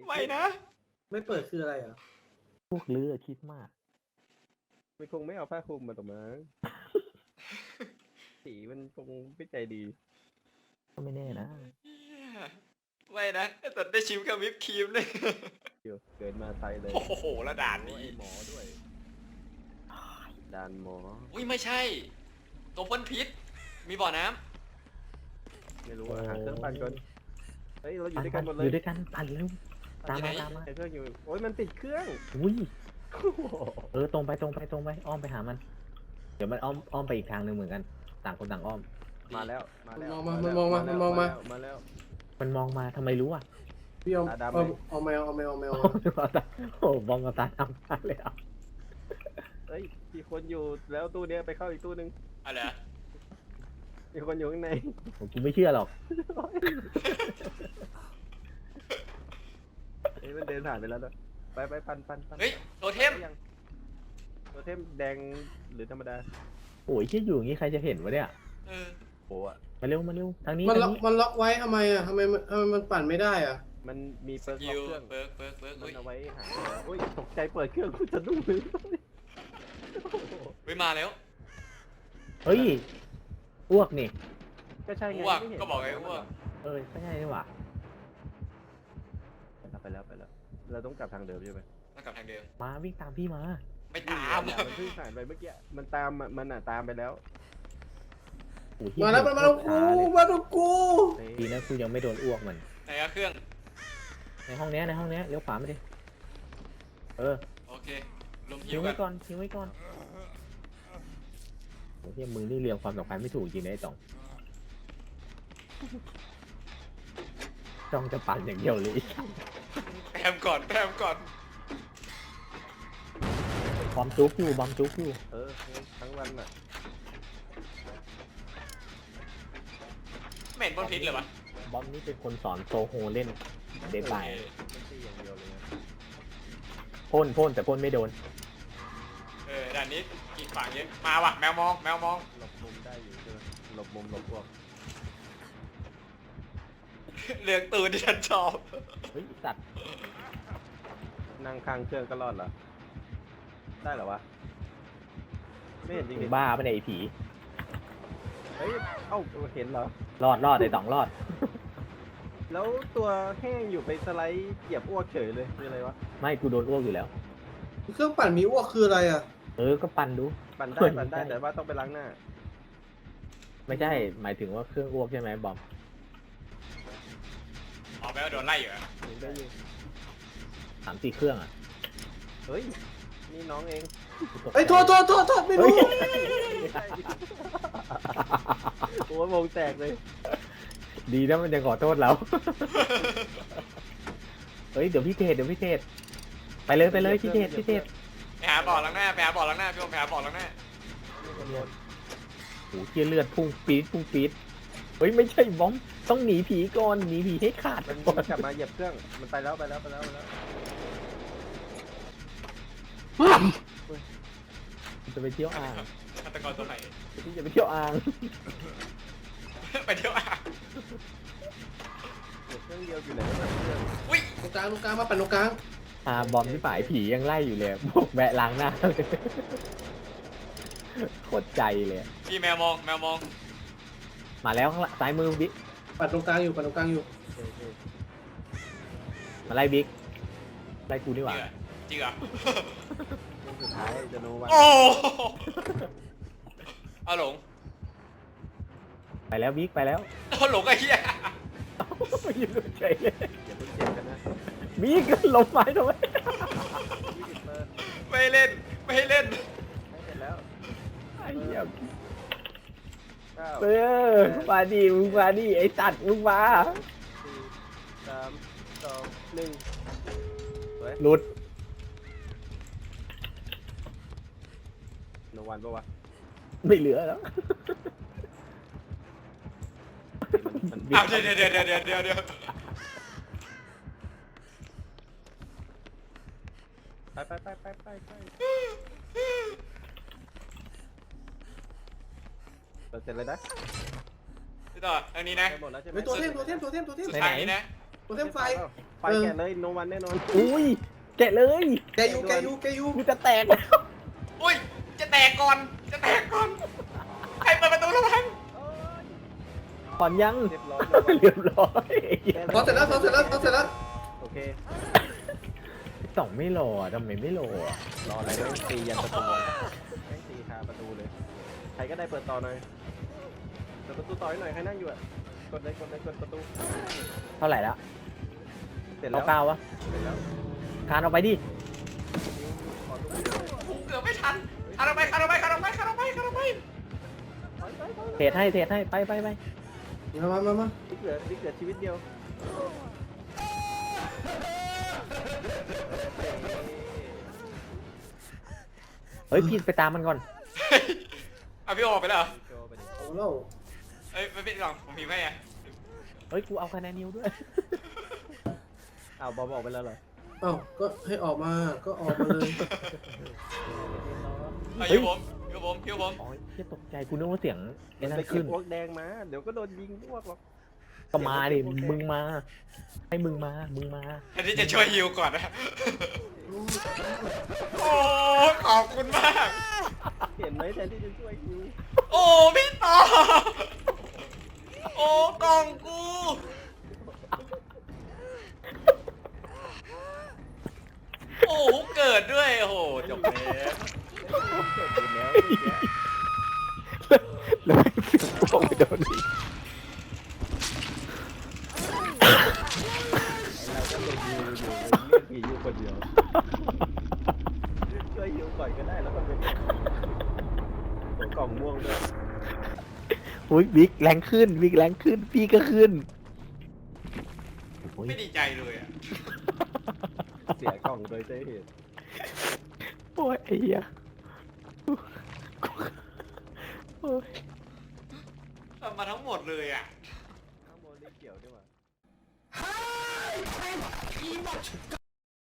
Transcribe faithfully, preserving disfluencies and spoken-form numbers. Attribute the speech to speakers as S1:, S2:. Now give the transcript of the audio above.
S1: ไม่นะ
S2: ไม่เปิดคืออะไรอ่ะ
S3: พวกเลือคิดมาก
S4: มันคงไม่เอาผ้าคลุมมาตรงนั้นสีมันคงไม่ใจดี
S3: ก็ไม่แน่นะ
S1: ไม่นะแต่ได้ชิมกับวิปครีมเลย
S4: เดี๋ยวเกิดมาไทยเลย
S1: โอ้โหแล้วด่านนี้
S4: หมอด้วยด่านหมอ
S1: อุ้ยไม่ใช่ตัวพ่นพิษมีบ่อน้
S4: ำไม่รู้อะหาเครื่องปั่นก่อนเฮ้ยเราอยู่ด้วยกันหมดเลย
S3: อยู่ด้วยกันปั่นเร็วตามมาตามมา
S4: เครื่องอยู่โอ้ยมันติดเครื่อง
S3: อุ้ยเออตรงไปตรงไปตรงไปอ้อมไปหามันเดี๋ยวมันอ้อมอ้อมไปอีกทางหนึ่งเหมือนกันต่างคนต่างอ้อม
S4: มาแล้วมาแล้ว
S2: มองมามันมองมามันมองมา
S4: มาแล้ว
S3: มันมองมาทำไมรู้อ่ะ
S2: พี่เอาเอาเอาแมวเอาแมวเอาแมว
S3: โอ้บองกับตาทำมาเลยอ่ะ
S4: เฮ้ยมีคนอยู่แล้วตู้เนี้ยไปเข้าอีกตู้นึง
S1: อะไร
S4: มีคนอยู่ข้างใน
S3: ผมกูไม่เชื่อหรอก
S4: เฮ้ยมันเดินผ่านไปแล้วนะไปไปปันปันปัน
S1: เฮ้ยโทเทม
S4: โทเทมแดงหรือธรรมดา
S3: โอ้ยคิดอยู่อย่างนี้ใครจะเห็นวะเนี่ย
S1: เออ
S4: โอ้อะ
S3: มาเร็วมาเร็วทางนี้
S2: มันล็อกมันล็อกไว้ทำไมอ่ะทำไมมันทำไมมันปั่นไม่ได้อ่ะ
S4: มันมีเปิร์กล็อกเครื่อง
S1: เปิร์กเปิร์กเปิร์ก
S4: มันเอาไว้หาโอ้ยตกใจเปิดเครื่องคุณจะดุ้งเลย
S1: เฮ้ยมาแล้ว
S3: เฮ้ยอ้วกนี่
S4: ก็ใช่ไง
S1: ก็บอกไงว่า
S3: เออใช่นี่หว่า
S4: ไปแล้วไปแล้วเราต้องกลับทางเดิมใช่ไหม
S1: ต้องกลับทางเดิม
S3: มาวิ่งตามพี่มา
S1: ไม่ตาม
S4: มันเพิ่งผ่านไปเมื่อกี้มันตามมันอ่ะตามไปแล้ว
S2: มาแล้วมันมาแล้วกูมาแล้วกู
S3: ดีนะกูยังไม่โดนอ้วกมัน
S1: ไหนอะเครื่อง
S3: ในห้องนี้ในห้องนี้เลี้ยวขวามาดิเออ
S1: โอเคลม
S3: ทิ้งไว้ก่อนทิ้งไว้ก่อนโอ้ยมึงนี่เรียงความสำคัญไม่ถูกจริงนะไอ้จ่องจ่องจะปั่นอย่างเดียวเลย
S1: แปมก่อนแปมก่อน
S3: บอมจุกอยู่บอมจุกอยู่
S4: เออทั้งวันอ่ะ
S1: ไม่เห็นพ่นพิษเลยวะ
S3: บอมนี่เป็นคนสอนโซโฮเล่นเดบายพ่นพ่นแต่พ่นไม่โดน
S1: เออด่านนี้กีดฝั่งเยอะมาว่ะแมวมองแมวมอง
S4: หลบมุมได้อยู่ใช่ไหมหลบมุมหลบพวก
S1: เลือกตื่นที่ฉันชอบ
S3: เฮ้ยสัตว์
S4: นั่งข้างเครื่องก็รอดเหรอได้เหรอวะไม่เห็นจริง
S3: ๆบ้าไม่ได้ไอ้ผี
S4: เฮ้ยเอ้าเห็นเหรอ
S3: รอดรอดไอ้ต่องรอด
S4: แล้วตัวแห้งอยู่ไปสไลด์เหยียบอ้วกเฉยเลยคืออะไรวะ
S3: ไม่กูโดนอ้วกอยู่แล้ว
S2: เครื่องปั่นมีอ้วกคืออะไรอ่ะ
S3: เออก็ปั่นดู
S4: ปั่นได้ปั่นได้แต่ว่าต้องไปล้างหน้า
S3: ไม่ใช่หมายถึงว่าเครื่องอ้วกใช่ไหมบอม
S1: อ๋อแปลว่าโดนไล่อยู่อะ
S4: ได้อยู่
S3: สามสี่เครื่องอ่ะ
S4: เฮ้ยนี่น้องเอง
S2: ไอ้โทษโทษโทษโทษไม่รู้
S4: โอ้ยวงแตกเลย
S3: ดีนะมันจะขอโทษเราเฮ้ยเดี๋ยวพี่เทศเดี๋ยวพี่เทศไปเลยไปเลยพี่เทศพี่เทศ
S1: ไปหาบ่อล้างหน้าไปหาบ่อล้างหน้าพี่ผมไปหาบ่อล้างหน้า
S3: โอ้โหเชี่ยเลือดพุ่งปี๊ดพุ่งปี๊ดเฮ้ยไม่ใช่บอมต้องหนีผีก่อนหนีผีให้ขาด
S4: มันกลับมาเหยียบเครื่องมันไปแล้วไปแล้วไปแล้วไปแล้ว
S3: จะไปเที่ยวอ่าง
S1: ฆาตกรตัวไหน
S3: ที่จะไปเที่ยวอ่าง
S1: ไปเที่ยวอ่าง
S4: เครื่องเดียวอยู่ไหน
S1: อุ้ย
S2: ตรงกลางตรงกลางมาปั่นตรงกลาง
S3: อ่าบอมที่ฝ่ายผียังไล่อยู่เลยบอกแวะล้างหน้าโคตรใจเลย
S1: พี่แมวมองแมวมอง
S3: มาแล้วข้างซ้ายมือบิ๊ก
S2: ปั่นตรงกลางอยู่ปั่นตรงกลางอยู่
S3: มาไล่บิ๊กไล่กูนี่หว่า
S1: จริงเหรอ
S4: สุดท้ายจะโนวัน
S1: โอ้เอาหลง
S3: ไปแล้วบิ๊กไปแล้ว
S1: เอาหลงไอ้เหี้ย
S3: ยืนเฉยเลย
S4: อย่าเพิ่งเจ็บกันนะ
S3: บิ๊กลงไม้ทำไม
S1: ไม่เล่นไม่ให้เล่น
S4: ไม่เสร็จแล้ว
S3: ไอ้เหี้ยเออมาดิมึงมาดิไอ้ตัดมึงมา
S4: สี่สามสองหนึ่ง
S3: หลุด
S4: โนวันปะวะ
S3: ไม่เหลือแล้ว
S1: เอาเดี๋ยวเดี๋ยวเดี๋ยวเดี๋ยวเดี๋ยวเดี๋ยว
S4: ไปไปไปไปไปไปเราเสร็จเลยนะ
S1: พี่ต่ออันนี้นะ
S2: ตัวเทมตัวเทมตัวเทมตัวเทม
S1: สุดท้ายนี้นะ
S2: ตัวเทมไฟ
S4: ไปแกะเลยโนวันแน่นอน
S3: อุ้ยแกะเลย
S2: แกยูแกยูแกยู
S3: กูจะแตกแล้ว
S1: อุ้ยจะแตกก่อนจะแตกก่อนใครเปิดประตูระวัง
S3: ก่อนยัง
S4: เรียบร้อย
S3: เรียบร้อยไอ้เหี้ย
S2: พอเสร็จแล้วพอเสร็จแล้วพอเสร็จแล้ว
S4: โอเค
S3: สองไม่รอทำไมไม่รอ
S4: รออะไรแม่งตียันประตูแม่งตีคาประตูเลย ใครก็ได้เปิดต่อหน่อยเปิดประตูต่อให้หน่อยใครนั่งอยู่อ่ะ กดเลยกดเลยกดประตู
S3: เท่าไหร่แล้ว
S4: เสร็จแล้
S3: เอา
S4: ว
S3: เก้าวะ
S4: เสร็จแล้ว
S3: คานเอาไปดิ
S4: ขอดู
S1: กูเกือบไม่ทันคานออกไปคานออกไปคานออกไปคานออกไปคานออกไป
S4: ถอยถอยถอย
S3: เทรดให้เทรดให้ไปไปไป
S2: มามามามา
S4: นี่เหลือนี่เหลือชีวิตเดียว
S3: เฮ้ยพี่ไปตามมันก่อน
S1: เอาพี่โออกไปแล้วเหรอ
S4: โจไปดิ
S2: เอาแล้ว
S1: เอ้ยไม่เป็นหรอกผมพิมพ์ให้ไง
S3: เฮ้ยกูเอาคะแนนนิวด้วย
S4: อ้าวบอมออกไปแล้วเหรอ
S2: เอ้าก็ให้ออกมาก็ออกมาเลย
S1: เอา
S3: เฮ้
S1: ฮิ
S3: ย
S1: วผมฮิวผมฮิวผม
S3: อ๋อเหี้ยตกใจกูนึกว่าเสียงไอ้
S4: มัน
S3: นั่
S4: ไป
S3: น
S4: เก็
S3: ขึ้
S4: บ
S3: น
S4: พวกแดงมา เดี๋ยวก็โดนยิงพวกหรอก
S3: ก็มาดิมึงมา ให้มึงมา มึงมา
S1: แทนที่จะช่วยฮิวก่อนนะโอ้ขอบคุณมาก
S4: เห็นไหมแทนที่จะช่วยยิง
S1: โอ้พี่ต่อโอ้กล่องกูโอ้เกิดด้วยโอ้โหจบแล้ว
S4: เกิดอยู่แล้ว
S3: แล้วไม่ถึงตกไปโดนอีก
S4: เราก็โดนยิงอยู่เลือกกี่อยู่คนเดียวช่วยยิงก่อนก็ได้แล้วก็เป็นตัวกล่องม่วงด้วย
S3: อุ้ยบิ๊กแรงขึ้นบิ๊กแรงขึ้นพี่ก็ขึ้นโอ้ย
S1: ไม่ดีใจเลยอ่ะ
S4: เสียกล่องโดยใช่เหตุ
S3: โอ้ยไอ้เหี้ยโอ้ย
S1: ทำมาทั้งหมดเลยอ่ะ
S4: ข้างบนนี่เกี่ยวด้วยวะ